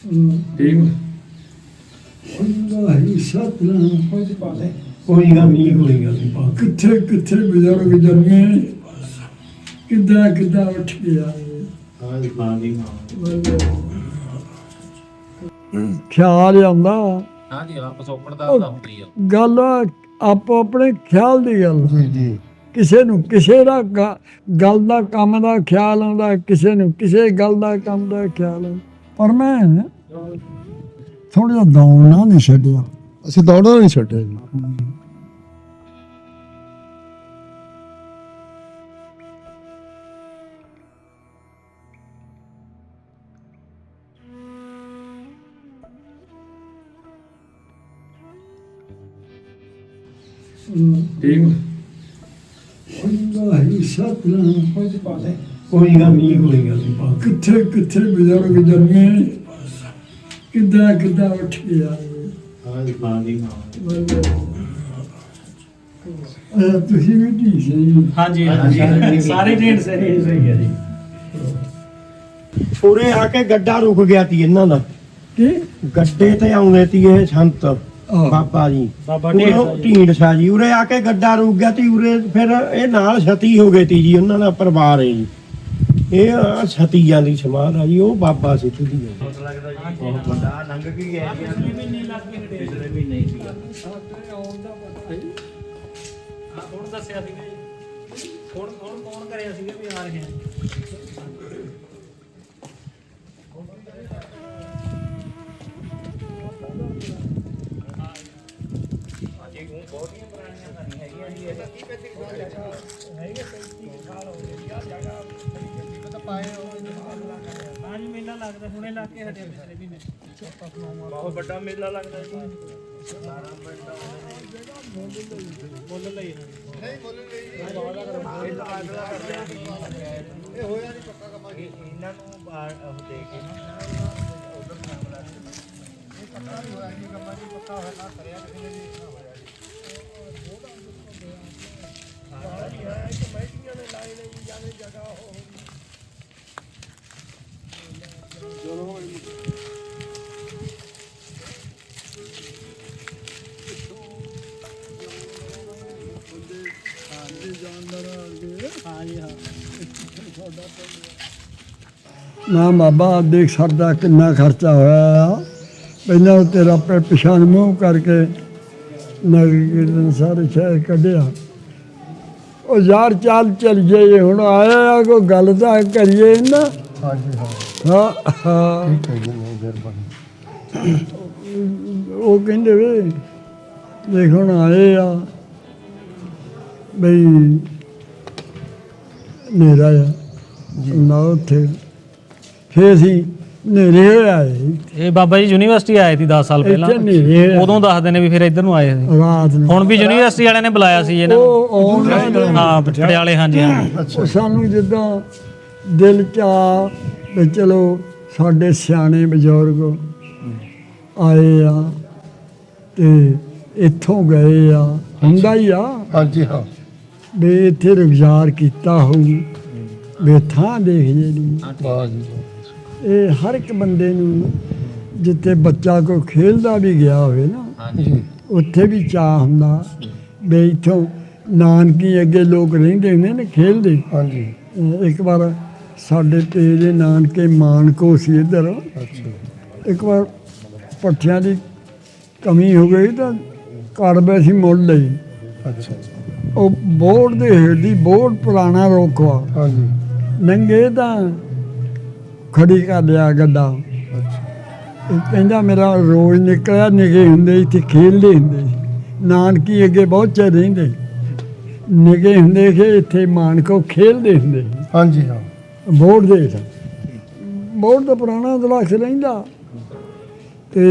ਠੀਕ ਹੁੰਦਾ ਹੀ ਸਤਨਾਮ ਕੋਈ ਗੱਲ ਨਹੀਂ ਕੋਈ ਗੱਲ ਨਹੀਂ ਕਿੱਥੇ ਕਿੱਥੇ ਬਜ਼ੁਰਗ ਜੰਮੇ ਕਿੱਦਾਂ ਕਿੱਦਾਂ ਉੱਠ ਗਿਆ ਖਿਆਲ ਆਉਂਦਾ ਹਾਂਜੀ ਆਪ ਸੋਪੜ ਦਾ ਤਾਂ ਹੁੰਦੀ ਆ ਗੱਲ ਆਪੋ ਆਪਣੇ ਖਿਆਲ ਦੀ ਗੱਲ ਜੀ ਜੀ ਕਿਸੇ ਨੂੰ ਕਿਸੇ ਦਾ ਗੱਲ ਦਾ ਕੰਮ ਦਾ ਖਿਆਲ ਆਉਂਦਾ, ਕਿਸੇ ਨੂੰ ਕਿਸੇ ਗੱਲ ਦਾ ਕੰਮ ਦਾ ਖਿਆਲ ਆਉਂਦਾ। ਪਰ ਮੈਂ ਥੋੜਾ ਜਿਹਾ ਦੌੜਨਾ ਨਹੀਂ ਛੱਡਿਆ। ਅਸੀਂ ਦੌੜਨਾ ਨਹੀਂ ਛੱਡਿਆ ਜੀ। ਠੀਕ ਹੁੰਦਾ ਹੀ ਸਤਨਾਮ ਕੋਈ ਗੱਲ ਨਹੀਂ ਕੋਈ ਗੱਲ ਨਹੀਂ ਕਿੱਥੇ ਕਿੱਥੇ ਬਜ਼ੁਰਗ ਜੰਮੇ ਕਿੱਦਾਂ ਕਿੱਦਾਂ ਉੱਠ ਗਿਆ। ਤੁਸੀਂ ਵੀ ਠੀਕ ਸੀ। ਹਾਂਜੀ ਹਾਂਜੀ ਸਾਰੇ ਢੇਡ ਸਹੀ ਸਹੀ ਹੈ ਜੀ। ਉਰੇ ਆ ਕੇ ਗੱਡਾ ਰੁਕ ਗਿਆ ਤੀ ਇਹਨਾਂ ਦਾ ਕੀ ਗੱਡੇ ਤੇ ਆਉਂਦੇ ਤੀ ਇਹ ਸੰਤ ਬਾਬਾ ਜੀ ਬਾਬਾ ਢੀਂਡਸਾ ਜੀ ਉਰੇ ਆ ਕੇ ਗੱਡਾ ਰੁਕ ਗਿਆ ਤੀ ਉਰੇ ਫਿਰ ਇਹ ਨਾਲ ਛਤੀ ਹੋ ਗਈ ਤੀ ਜੀ ਉਹਨਾਂ ਦਾ ਪਰਿਵਾਰ ਹੈ ਜੀ ਇਹ ਛਤੀਆਂ ਦੀ ਸਮਾਧ ਆ ਜੀ ਉਹ ਬਾਬਾ ਸੀ ਤੁਦੀ ਬਹੁਤ ਵੱਡਾ ਲੰਘ ਕੇ ਗਿਆ ਜੀ ਪਿਛਲੇ ਮਹੀਨੇ ਹੀ ਸੀਗਾ ਹਾਂ ਹੁਣ ਦੱਸਿਆ ਸੀਗਾ ਜੀ ਹੁਣ ਕੌਣ ਕਰਿਆ ਸੀਗਾ ਵੀ ਆ ਰਹੇ ਆ ਬਹੁਤੀਆਂ ਪੁਰਾਣੀਆਂ ਤਾਂ ਨਹੀਂ ਹੈਗੀਆਂ ਜੀ ਇਹ ਹੈਗੇ 35 ਸਾਲ ਹੋ ਗਏ ਆ ਜਗ੍ਹਾ ਤਾਂ ਪਾਏ ਹਾਂ ਜੀ ਮੇਲਾ ਲੱਗਦਾ ਹੁਣੇ ਲੱਗ ਕੇ ਹਟਿਆ ਪਿਛਲੇ ਮਹੀਨੇ ਬਹੁਤ ਵੱਡਾ ਮੇਲਾ ਲੱਗਦਾ ਜੀ ਮੁੱਲ ਲਈ ਨਹੀਂ ਮੁੱਲ ਲਈ ਇਹ ਹੋਇਆ ਨਹੀਂ ਪੱਕਾ ਕੰਮ ਇਹਨਾਂ ਨੂੰ ਉਹ ਦੇ ਕੇ ਨਾ ਉਧਰ ਮਾਮਲਾ ਇਹ ਪੱਕਾ ਨਹੀਂ ਹੋਇਆ ਜੀ ਕੰਮਾਂ ਦੀ ਪੱਕਾ ਹੋਇਆ ਨਾ ਕਰਿਆ ਕਿਸੇ ਨੇ ਵੀ ਨਾ ਹੋਇਆ ਜੀ ਕਮੇਟੀਆਂ ਨੇ ਲਾਏ ਨੇ ਜੀ ਜਾਣੇ ਜਗ੍ਹਾ ਹੋ ਚਲੋ ਨਾ ਬਾਬਾ ਦੇਖ ਸਾਡਾ ਕਿੰਨਾ ਖਰਚਾ ਹੋਇਆ ਆ। ਪਹਿਲਾਂ ਉਹ ਤੇਰਾ ਪਿਛਾਂ ਨੂੰ ਮੂੰਹ ਕਰਕੇ ਨਗਰ ਕੀਰਤਨ ਸਾਰੇ ਸ਼ਹਿਰ ਕੱਢਿਆ। ਉਹ ਯਾਰ ਚੱਲ ਜਾਈਏ ਹੁਣ ਆਇਆ ਆ ਕੋਈ ਗੱਲ ਤਾਂ ਕਰੀਏ ਨਾ। ਹਾਂਜੀ ਹਾਂ ਹਾਂ ਠੀਕ ਹੈ ਜੀ ਮਿਹਰਬਾਨੀ ਉਹ ਕਹਿੰਦੇ ਵੇ ਦੇਖ ਹੁਣ ਆਏ ਆ ਬਈ ਹਨੇਰਾ ਆ ਨਾ ਉੱਥੇ ਫੇਰ ਅਸੀਂ ਹਨੇਰੇ ਹੋਏ ਆਏ ਇਹ ਬਾਬਾ ਜੀ ਯੂਨੀਵਰਸਿਟੀ ਆਏ ਸੀ 10 ਸਾਲ ਪਹਿਲਾਂ ਇੱਥੇ ਹਨੇਰੇ ਹੋਏ ਉਦੋਂ ਦੱਸਦੇ ਨੇ ਵੀ ਫਿਰ ਇੱਧਰ ਨੂੰ ਆਏ ਸੀ ਰਾਤ ਨੂੰ ਹੁਣ ਵੀ ਯੂਨੀਵਰਸਿਟੀ ਵਾਲਿਆਂ ਨੇ ਬੁਲਾਇਆ ਸੀ ਇਹਨਾਂ ਨੂੰ ਹਾਂ ਪਟਿਆਲੇ ਹਾਂਜੀ ਹਾਂ ਉਹ ਸਾਨੂੰ ਜਿੱਦਾਂ ਦਿਲ ਚ ਆ ਵੀ ਚਲੋ ਸਾਡੇ ਸਿਆਣੇ ਬਜ਼ੁਰਗ ਆਏ ਆ ਤੇ ਇੱਥੋਂ ਗਏ ਆ ਹੁੰਦਾ ਹੀ ਆ ਹਾਂਜੀ ਹਾਂ ਵੀ ਇੱਥੇ ਰੁਜ਼ਗਾਰ ਕੀਤਾ ਹੋਊ ਵੀ ਥਾਂ ਦੇਖ ਜਿਹੜੀ ਵਾਹ ਜੀ ਇਹ ਹਰ ਇੱਕ ਬੰਦੇ ਨੂੰ ਜਿੱਥੇ ਬੱਚਾ ਕੋਈ ਖੇਡਦਾ ਵੀ ਗਿਆ ਹੋਵੇ ਨਾ ਜੀ ਉੱਥੇ ਵੀ ਚਾਹ ਹੁੰਦਾ ਵੀ ਇੱਥੋਂ ਨਾਨਕੀ ਅੱਗੇ ਲੋਕ ਰਹਿੰਦੇ ਹੁੰਦੇ ਨੇ ਖੇਡਦੇ। ਹਾਂਜੀ ਇੱਕ ਵਾਰ ਸਾਡੇ ਤੇਰੇ ਨਾਨਕੇ ਮਾਨਕੋ ਸੀ ਇੱਧਰ ਅੱਛਾ ਇੱਕ ਵਾਰ ਪੱਠਿਆਂ ਦੀ ਕਮੀ ਹੋ ਗਈ ਤਾਂ ਕੜਵੇ ਸੀ ਮੁੱਲ ਲਈ ਅੱਛਾ ਉਹ ਬੋਰਡ ਦੇ ਹੇਠ ਦੀ ਬੋਰਡ ਪੁਰਾਣਾ ਰੋਕਵਾ ਹਾਂਜੀ ਨੰਗੇ ਤਾਂ ਖੜੀ ਕਰ ਲਿਆ ਗੱਡਾ। ਅੱਛਾ ਇਹ ਕਹਿੰਦਾ ਮੇਰਾ ਰੋਜ਼ ਨਿਕਲਿਆ ਨਿਗੇ ਹੁੰਦੇ ਇੱਥੇ ਖੇਡਦੇ ਹੁੰਦੇ ਸੀ ਨਾਨਕੀ ਅੱਗੇ ਬਹੁਤ ਚਿਰ ਰਹਿੰਦੇ ਨਿਗੇ ਹੁੰਦੇ ਕਿ ਇੱਥੇ ਮਾਨਕੋ ਖੇਡਦੇ ਹੁੰਦੇ ਸੀ ਹਾਂਜੀ ਹਾਂ ਬੋਰਡ ਦੇ ਹੇਠ ਬੋਰਡ ਦਾ ਪੁਰਾਣਾ ਦਲਾਖ ਰਹਿੰਦਾ ਤੇ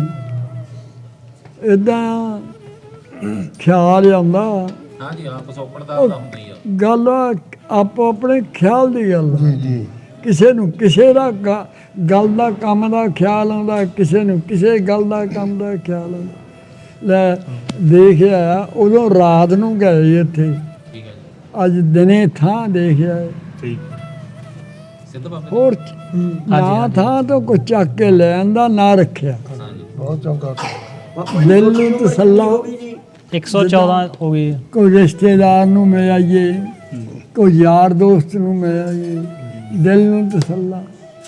ਇੱਦਾਂ ਖਿਆਲ ਆਉਂਦਾ ਹਾਂਜੀ ਆਪ ਸੋਪੜ ਦਾ ਤਾਂ ਹੁੰਦੀ ਆ ਗੱਲ ਆਪੋ ਆਪਣੇ ਖਿਆਲ ਦੀ ਗੱਲ ਜੀ ਜੀ ਕਿਸੇ ਨੂੰ ਕਿਸੇ ਦਾ ਗੱਲ ਦਾ ਕੰਮ ਦਾ ਖਿਆਲ ਆਉਂਦਾ, ਕਿਸੇ ਨੂੰ ਕਿਸੇ ਗੱਲ ਦਾ ਕੰਮ ਦਾ ਖਿਆਲ ਆਉਂਦਾ। ਲੈ ਦੇਖਿਆ ਉਦੋਂ ਰਾਤ ਨੂੰ ਗਏ ਇੱਥੇ, ਠੀਕ ਹੈ ਜੀ ਅੱਜ ਦਿਨੇ ਥਾਂ ਦੇਖਿਆ ਠੀਕ ਸਿੱਧ ਬਾਬੇ ਹੋਰ ਨਾ ਥਾਂ ਤੋਂ ਕੋਈ ਚੱਕ ਕੇ ਲੈ ਆਂਦਾ ਨਾ ਰੱਖਿਆ। ਬਹੁਤ ਚੰਗਾ ਦਿਲ ਨੂੰ ਤਸੱਲਾ, 114 ਹੋ ਗਈ। ਕੋਈ ਰਿਸ਼ਤੇਦਾਰ ਨੂੰ ਮਿਲ ਆਈਏ, ਕੋਈ ਯਾਰ ਦੋਸਤ ਨੂੰ ਮਿਲ ਆਈਏ, ਦਿਲ ਨੂੰ ਤਸੱਲਾ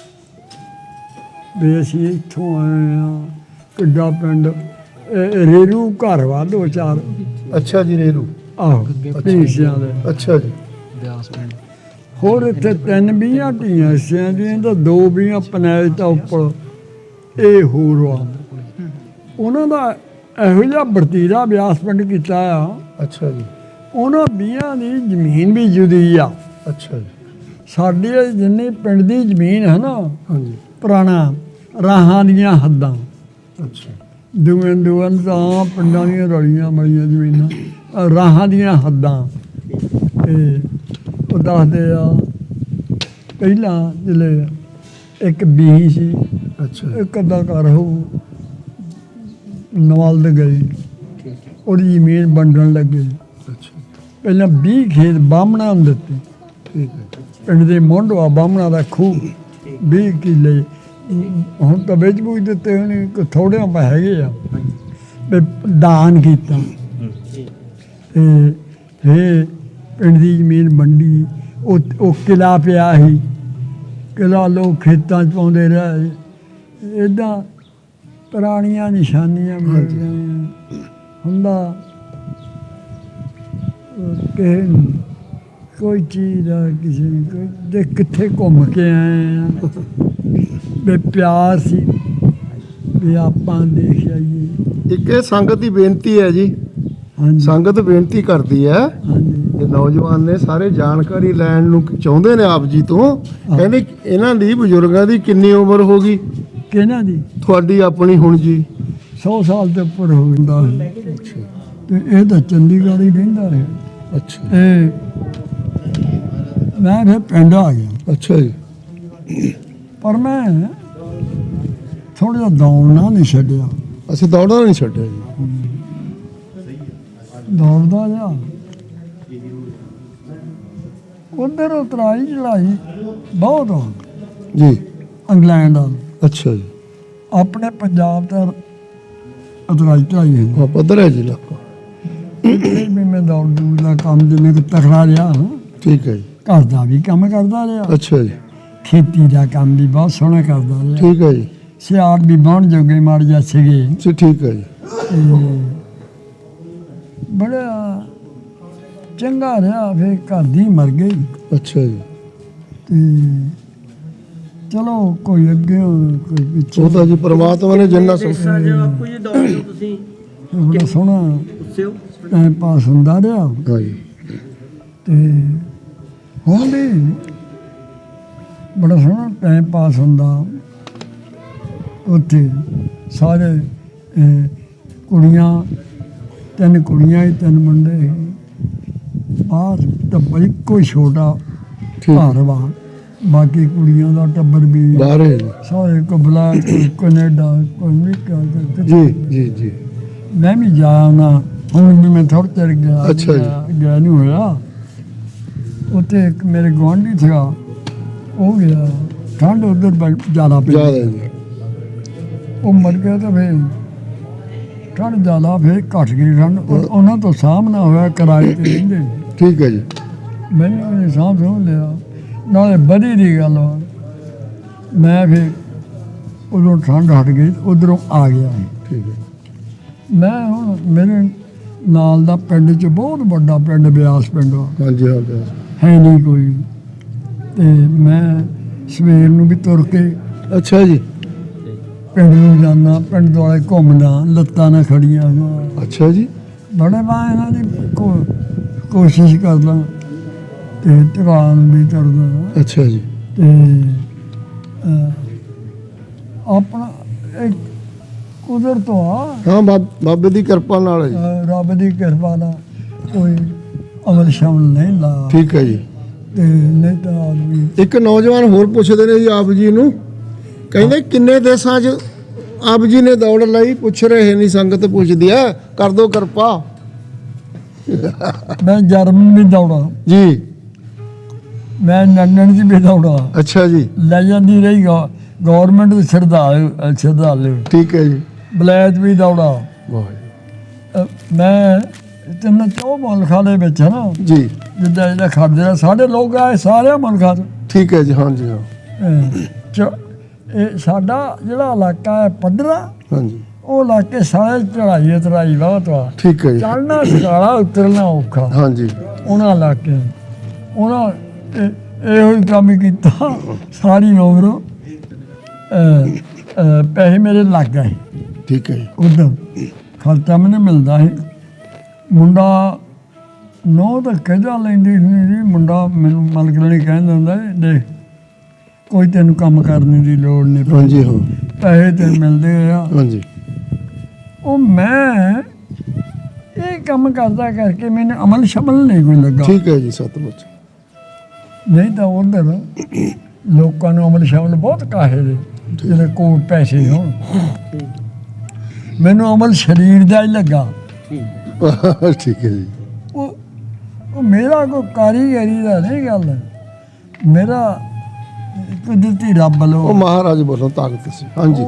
ਵੀ ਅਸੀਂ ਇੱਥੋਂ ਆਏ ਹਾਂ। ਕਿੱਡਾ ਪਿੰਡ ਰੇਰੂ ਘਰ ਵਾ 2-4 ਅੱਛਾ ਜੀ ਰੇਰੂ ਆਹੋ ਢੀਸਿਆਂ ਦੇ। ਅੱਛਾ ਜੀ ਹੋਰ ਇੱਥੇ 3 20 ਢੀਆਂ ਹਿੱਸਿਆਂ ਦੀਆਂ ਤਾਂ 2 20 ਪਨੈਲ ਤਾਂ ਉੱਪਰ ਇਹ ਹੋਰ ਆ। ਉਹਨਾਂ ਦਾ ਇਹੋ ਜਿਹਾ ਵਰਤੀਰਾ ਬਿਆਸ ਪਿੰਡ ਕੀਤਾ ਆ। ਅੱਛਾ ਜੀ ਉਹਨਾਂ 20 ਦੀ ਜ਼ਮੀਨ ਵੀ ਜੁਦੀ ਆ। ਅੱਛਾ ਜੀ ਸਾਡੀ ਇਹ ਜਿੰਨੀ ਪਿੰਡ ਦੀ ਜ਼ਮੀਨ ਹੈ ਨਾ ਹਾਂਜੀ ਪੁਰਾਣਾ ਰਾਹਾਂ ਦੀਆਂ ਹੱਦਾਂ, ਅੱਛਾ ਦੁਵੇਂ ਤਾਂ ਪਿੰਡਾਂ ਦੀਆਂ ਰਲੀਆਂ ਮਲੀਆਂ ਜ਼ਮੀਨਾਂ, ਰਾਹਾਂ ਦੀਆਂ ਹੱਦਾਂ। ਤੇ ਉਹ ਦੱਸਦੇ ਆ ਪਹਿਲਾਂ ਜਿਹੜੇ ਇੱਕ ਬੀਹੀ ਸੀ, ਅੱਛਾ ਇੱਕ ਅੱਧਾ ਘਰ ਹੋਊ ਨਵਾਲਦ ਗਈ, ਉਹਦੀ ਜ਼ਮੀਨ ਵੰਡਣ ਲੱਗੇ। ਅੱਛਾ ਪਹਿਲਾਂ 20 ਖੇਤ ਬਾਹਮਣਾਂ ਨੂੰ ਦਿੱਤੇ। ਠੀਕ ਹੈ ਪਿੰਡ ਦੇ ਮੋਢਵਾ ਬਾਹਮਣਾਂ ਦਾ ਖੂਹ 20 ਕਿੱਲੇ। ਹੁਣ ਤਾਂ ਵੇਚ ਬੂਝ ਦਿੱਤੇ ਹੋਣੇ, ਥੋੜ੍ਹੇ ਪਾ ਹੈਗੇ ਆ ਵੀ ਦਾਨ ਕੀਤਾ। ਤੇ ਫਿਰ ਪਿੰਡ ਦੀ ਜ਼ਮੀਨ ਵੰਡੀ। ਉਹ ਕਿਲਾ ਪਿਆ ਸੀ, ਕਿਲਾ ਲੋਕ ਖੇਤਾਂ 'ਚ ਪਾਉਂਦੇ ਰਹੇ। ਇੱਦਾਂ ਪੁਰਾਣੀਆਂ ਨਿਸ਼ਾਨੀਆਂ ਮਿਲ ਗਈਆਂ। ਹੁੰਦਾ ਕਿਸੇ ਨੂੰ ਕੋਈ ਚੀਜ਼ ਦਾ ਕਿਸੇ ਨੂੰ ਕੋਈ ਦੇ ਕਿੱਥੇ ਘੁੰਮ ਕੇ ਆਏ ਆ ਵੀ ਪਿਆਰ ਸੀ ਵੀ ਆਪਾਂ ਦੇਖ ਆਈਏ। ਇੱਕ ਇਹ ਸੰਗਤ ਦੀ ਬੇਨਤੀ ਹੈ ਜੀ, ਹਾਂਜੀ ਸੰਗਤ ਬੇਨਤੀ ਕਰਦੀ ਹੈ। ਹਾਂਜੀ ਇਹ ਨੌਜਵਾਨ ਨੇ ਸਾਰੇ ਜਾਣਕਾਰੀ ਲੈਣ ਨੂੰ ਚਾਹੁੰਦੇ ਨੇ ਆਪ ਜੀ ਤੋਂ। ਕਹਿੰਦੇ ਇਹਨਾਂ ਦੀ ਬਜ਼ੁਰਗਾਂ ਦੀ ਕਿੰਨੀ ਉਮਰ ਹੋ ਗਈ? ਕਿਹਨਾਂ ਦੀ? ਤੁਹਾਡੀ ਆਪਣੀ ਹੁਣ ਜੀ 100 ਸਾਲ ਤੋਂ ਉੱਪਰ ਹੋ ਜਾਂਦਾ ਸੀ। ਤੇ ਇਹ ਤਾਂ ਚੰਡੀਗੜ੍ਹ ਹੀ ਰਹਿੰਦਾ ਹੈ। ਅੱਛਾ ਇਹ ਮੈਂ ਫਿਰ ਪਿੰਡ ਆ ਗਿਆ, ਅੱਛਾ ਜੀ ਪਰ ਮੈਂ ਥੋੜ੍ਹਾ ਜਿਹਾ ਦੌੜਨਾ ਨਹੀਂ ਛੱਡਿਆ। ਅਸੀਂ ਦੌੜਨਾ ਨਹੀਂ ਛੱਡਿਆ ਜੀ। ਦੌੜਦਾ ਜਾ ਉਧਰ ਉਤਰਾਈ ਚੜਾਈ ਬਹੁਤ ਆ ਜੀ ਇੰਗਲੈਂਡ ਵੱਲ। ਅੱਛਾ ਜੀ ਆਪਣੇ ਪੰਜਾਬ ਦਾ ਉਤਰਾਈ ਚੜਾਈ ਹੈ। ਹਾਂ ਪੱਧਰ ਹੈ ਜੀ ਇਲਾਕਾ। ਫਿਰ ਵੀ ਮੈਂ ਦੌੜ ਦੂੜ ਦਾ ਕੰਮ ਜਿਵੇਂ ਕਿ ਤਕੜਾ ਰਿਹਾ, ਠੀਕ ਹੈ ਜੀ ਘਰ ਦਾ ਵੀ ਕੰਮ ਕਰਦਾ ਰਿਹਾ, ਅੱਛਾ ਜੀ ਖੇਤੀ ਦਾ ਕੰਮ ਵੀ ਬਹੁਤ ਸੋਹਣਾ ਕਰਦਾ ਰਿਹਾ। ਠੀਕ ਹੈ ਜੀ ਸਿਆੜ ਵੀ ਬਾਉਣ ਜੋਗੇ ਮਾਰ ਜਾ ਸੀਗੇ। ਜੀ ਠੀਕ ਹੈ ਜੀ ਤੇ ਬੜਾ ਚੰਗਾ ਰਿਹਾ। ਫਿਰ ਘਰ ਦੀ ਮਰ ਗਈ ਅੱਛਾ ਜੀ ਤੇ ਚਲੋ ਕੋਈ ਅੱਗੇ ਕੋਈ ਪਿੱਛੇ। ਉਹ ਤਾਂ ਜੀ ਪ੍ਰਮਾਤਮਾ ਨੇ ਜਿੰਨਾ ਬਾਪੂ ਜੀ ਦੌੜ ਲਓ ਤੁਸੀਂ, ਬੜਾ ਸੋਹਣਾ ਗੁੱਸੇ ਟਾਈਮ ਪਾਸ ਹੁੰਦਾ ਰਿਹਾ। ਹਾਂ ਜੀ ਤੇ ਹੁਣ ਵੀ ਬੜਾ ਸੋਹਣਾ ਟਾਈਮ ਪਾਸ ਹੁੰਦਾ ਉੱਥੇ। ਸਾਰੇ ਕੁੜੀਆਂ, 3 ਕੁੜੀਆਂ ਸੀ, 3 ਮੁੰਡੇ ਸੀ। ਬਾਹਰ ਟੱਬਰ ਇੱਕੋ ਹੀ ਛੋਟਾ ਘਰ ਵਾ, ਬਾਕੀ ਕੁੜੀਆਂ ਦਾ ਟੱਬਰ ਵੀ ਬਾਹਰ ਹੈ ਜੀ ਸਾਰੇ ਕਬਲਾ, ਕੋਈ ਕੈਨੇਡਾ, ਕੋਈ ਅਮਰੀਕਾ। ਜੀ ਜੀ ਜੀ ਮੈਂ ਵੀ ਜਾਇਆ ਨਾ, ਹੁਣ ਵੀ ਮੈਂ ਥੋੜ੍ਹਾ ਚਿਰ ਗਿਆ। ਅੱਛਾ ਜੀ। ਗਿਆ ਨਹੀਂ ਹੋਇਆ। ਉੱਥੇ ਇੱਕ ਮੇਰੇ ਗੁਆਂਢੀ ਸੀਗਾ, ਉਹ ਗਿਆ। ਠੰਡ ਉੱਧਰ ਜ਼ਿਆਦਾ ਪਈ, ਜ਼ਿਆਦਾ ਜੀ ਉਹ ਮਰ ਗਿਆ। ਤਾਂ ਫਿਰ ਠੰਡ ਜ਼ਿਆਦਾ, ਫਿਰ ਘੱਟ ਗਈ ਠੰਡ। ਉਹਨਾਂ ਤੋਂ ਸਾਹਮਣਾ ਹੋਇਆ, ਕਿਰਾਏ ਤੇ ਰਹਿੰਦੇ। ਠੀਕ ਹੈ ਜੀ ਮੈਨੂੰ ਉਹਨੇ ਸਾਂਭ ਲਿਆ, ਨਾਲੇ ਵਧੀ ਦੀ ਗੱਲ ਵਾ। ਮੈਂ ਫਿਰ ਉਦੋਂ ਠੰਡ ਹਟ ਗਈ, ਉੱਧਰੋਂ ਆ ਗਿਆ। ਠੀਕ ਹੈ ਮੈਂ ਹੁਣ ਮੇਰੇ ਨਾਲ ਦਾ ਪਿੰਡ 'ਚ ਬਹੁਤ ਵੱਡਾ ਪਿੰਡ ਬਿਆਸ ਪਿੰਡ ਆ, ਹਾਂਜੀ ਹਾਂ ਜੀ। ਹੈ ਨਹੀਂ ਕੋਈ। ਤੇ ਮੈਂ ਸਵੇਰ ਨੂੰ ਵੀ ਤੁਰ ਕੇ ਅੱਛਾ ਜੀ ਪਿੰਡ ਨੂੰ ਜਾਂਦਾ, ਪਿੰਡ ਦੁਆਲੇ ਘੁੰਮਦਾ, ਲੱਤਾਂ ਨਾਲ ਖੜੀਆਂ ਹੋਈਆਂ। ਅੱਛਾ ਜੀ ਬੜੇ ਮੈਂ ਇਹਨਾਂ ਦੀ ਕੋਸ਼ਿਸ਼ ਕਰਦਾ ਤੇ ਟਿਕਾਣ ਵੀ ਕਰਦਾ। ਅੱਛਾ ਜੀ ਤੇ ਆਪਣਾ ਇੱਕ ਕੁਦਰਤ ਆ, ਹਾਂ ਬਾਬੇ ਦੀ ਕਿਰਪਾ ਨਾਲ ਹੈ ਜੀ। ਰੱਬ ਦੀ ਕਿਰਪਾ ਨਾਲ ਕੋਈ ਅਮਲ ਸ਼ਮਲ ਨਹੀਂ ਲਾ। ਠੀਕ ਹੈ ਜੀ ਤੇ ਨਹੀਂ ਤਾਂ ਆਦਮੀ ਇੱਕ ਨੌਜਵਾਨ ਹੋਰ ਪੁੱਛਦੇ ਨੇ ਜੀ ਆਪ ਜੀ ਨੂੰ, ਕਹਿੰਦੇ ਕਿੰਨੇ ਦੇਸ਼ਾਂ 'ਚ ਆਪ ਜੀ ਨੇ ਦੌੜ ਲਈ? ਪੁੱਛ ਰਹੇ ਨਹੀਂ, ਸੰਗਤ ਪੁੱਛਦੀ ਆ, ਕਰ ਦੋ ਕਿਰਪਾ। ਮੈਂ ਜਰਮਨ ਵੀ ਦੌੜਾ, ਜੀ ਮੈਂ ਨੰਨਣ ਦੀ ਬੇਦੌੜਾ ਅੱਛਾ ਜੀ, ਲੈ ਜਾਂਦੀ ਰਹੀ ਗਵਰਨਮੈਂਟ ਦੇ ਸ਼ਰਧਾਲੂ ਠੀਕ ਹੈ ਜੀ, ਬਲੈਤ ਵੀ ਦੌੜਾ। ਵਾਹ ਮੈਂ ਤਿੰਨ ਚੌ ਮੁਲਕਾਂ ਦੇ ਵਿੱਚ ਹੈ ਨਾ, ਜੀ, ਜਿੱਦਾਂ ਜਿਹੜਾ ਖੜਦੇ ਸਾਡੇ ਲੋਕ ਆਏ ਸਾਰੇ ਮੁਲਕਾਂ ਤੋਂ। ਠੀਕ ਹੈ ਜੀ, ਹਾਂਜੀ ਹਾਂ, ਇਹ ਸਾਡਾ ਜਿਹੜਾ ਇਲਾਕਾ ਹੈ ਪੱਧਰਾ, ਹਾਂਜੀ, ਉਹ ਇਲਾਕੇ ਸਾਰੇ ਚੜਾਈ ਬਹੁਤ ਵਾ, ਠੀਕ ਹੈ ਜੀ, ਚੜ੍ਹਨਾ ਸਕਾਲਾ ਉਤਰਨਾ ਔਖਾ। ਹਾਂਜੀ, ਉਹਨਾਂ ਇਲਾਕਿਆਂ ਉਹਨਾਂ ਇਹੋ ਹੀ ਕੰਮ ਕੀਤਾ ਸਾਰੀ ਉਮਰ। ਪੈਸੇ ਮੇਰੇ ਲੱਗ ਗਏ ਠੀਕ ਹੈ ਜੀ, ਉਦੋਂ ਖਰਚਾ ਮੈਨੂੰ ਮਿਲਦਾ ਸੀ। ਮੁੰਡਾ ਨੌ ਤਾਂ ਕਹਿਦਾ ਲੈਂਦੀ ਸੀ ਜੀ, ਮੁੰਡਾ ਮੈਨੂੰ ਮਲਕਣੀ ਕਹਿੰਦਾ ਹੁੰਦਾ ਸੀ, ਦੇਖ ਕੋਈ ਤੈਨੂੰ ਕੰਮ ਕਰਨ ਦੀ ਲੋੜ ਨਹੀਂ, ਹਾਂਜੀ ਹਾਂ, ਪੈਸੇ ਤੈਨੂੰ ਮਿਲਦੇ ਆ। ਹਾਂਜੀ, ਉਹ ਮੈਂ ਇਹ ਕੰਮ ਕਰਦਾ ਕਰਕੇ ਮੈਨੂੰ ਅਮਲ ਸ਼ਮਲ ਨਹੀਂ ਕੋਈ ਲੱਗਾ। ਠੀਕ ਹੈ ਜੀ, ਸਤਿਮੁੱਚ, ਨਹੀਂ ਤਾਂ ਉਧਰ ਲੋਕਾਂ ਨੂੰ ਅਮਲ ਸ਼ਮਲ ਬਹੁਤ ਕਾਹੇ ਦੇ ਜਿਹੜੇ ਕੋਲ ਪੈਸੇ ਹੋਣ। ਮੈਨੂੰ ਅਮਲ ਸਰੀਰ ਦਾ ਹੀ ਲੱਗਾ। ਠੀਕ ਹੈ ਜੀ, ਉਹ ਮੇਰਾ ਕੋਈ ਕਾਰੀਗਰੀ ਦਾ ਨਹੀਂ ਗੱਲ, ਮੇਰਾ ਕੁਦਰਤੀ ਰੱਬ ਉਹ ਵੱਲੋਂ ਮਹਾਰਾਜ ਵੱਲੋਂ ਤਾਕਤ ਸੀ, ਹਾਂਜੀ,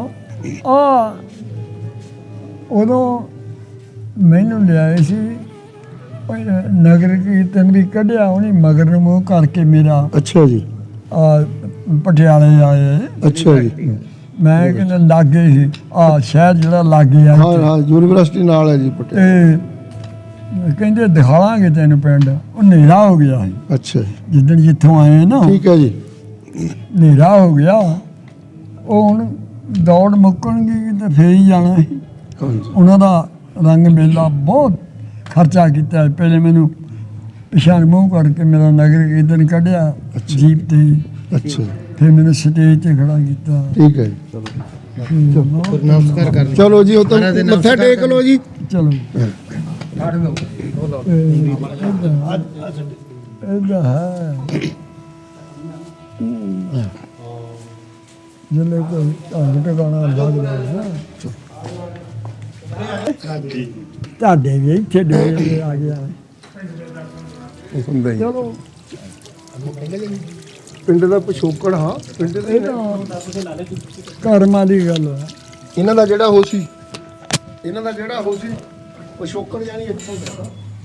ਉਦੋਂ ਮੈਨੂੰ ਲਿਆਏ ਸੀ ਨਗਰ ਕੀਰਤਨ ਵੀ ਕੱਢਿਆ ਉਹਨੇ ਮਗਰ ਨੂੰ ਮੂੰਹ ਕਰਕੇ ਮੇਰਾ। ਅੱਛਾ ਜੀ, ਪਟਿਆਲੇ ਆਏ, ਅੱਛਾ ਜੀ, ਮੈਂ ਕਹਿੰਦਾ ਲਾਗੇ ਸੀ ਸ਼ਹਿਰ ਜਿਹੜਾ ਲਾਗੇ ਆ, ਹਾਂ ਹਾਂ, ਯੂਨੀਵਰਸਿਟੀ ਨਾਲ ਹੈ ਜੀ ਪਟਿਆਲਾ, ਤੇ ਕਹਿੰਦੇ ਦਿਖਾਵਾਂਗੇ ਤੈਨੂੰ ਪਿੰਡ। ਉਹ ਹਨੇਰਾ ਹੋ ਗਿਆ ਸੀ ਅੱਛਾ ਜੀ, ਜਿੱਦਣ ਜਿੱਥੋਂ ਆਏ ਨਾ, ਠੀਕ ਹੈ ਜੀ, ਹਨੇਰਾ ਹੋ ਗਿਆ। ਉਹ ਹੁਣ ਦੌੜ ਮੁੱਕਣਗੀ ਤੇ ਫੇਰ ਹੀ ਜਾਣਾ ਸੀ। ਹਾਂਜੀ, ਉਹਨਾਂ ਦਾ ਰੰਗ ਮੇਲਾ ਬਹੁਤ ਖਰਚਾ ਕੀਤਾ। ਪਹਿਲੇ ਮੈਨੂੰ ਪਿਛਾਂਹ ਮੂੰਹ ਕਰਕੇ ਮੇਰਾ ਨਗਰ ਕੀਰਤਨ ਕੱਢਿਆ ਜੀਪ ਤੇ, ਅੱਛਾ ਜੀ, ਫਿਰ ਮੈਨੂੰ ਸਟੇਜ ਤੇ ਖੜਾ ਕੀਤਾ। ਠੀਕ ਹੈ ਜੀ, ਚਲੋ ਜੀ, ਉਹ ਤਾਂ ਮੱਥਾ ਟੇਕ ਲਓ ਜੀ। ਚਲੋ ਇਹਦਾ ਹੈ ਜਿੰਨੇ ਕੋਈ ਢੰਗ ਟਿਕਾਣਾ ਲੱਗਦਾ ਹੈ ਤੁਹਾਡੇ ਵੀ ਇੱਥੇ ਡੇਰੇ ਆ ਗਿਆ। ਹੁੰਦਾ ਹੀ ਚਲੋ ਪਿੰਡ ਦਾ ਪਿਛੋਕੜ, ਹਾਂ ਪਿੰਡ ਇਹ ਦੇ ਤਾਂ ਕਰਮਾਂ ਦੀ ਗੱਲ ਹੈ। ਇਹਨਾਂ ਦਾ ਜਿਹੜਾ ਹੋ ਸੀ, ਪਿਛੋਕੜ ਜਾਨੀ ਇੱਥੋਂ ਦਾ।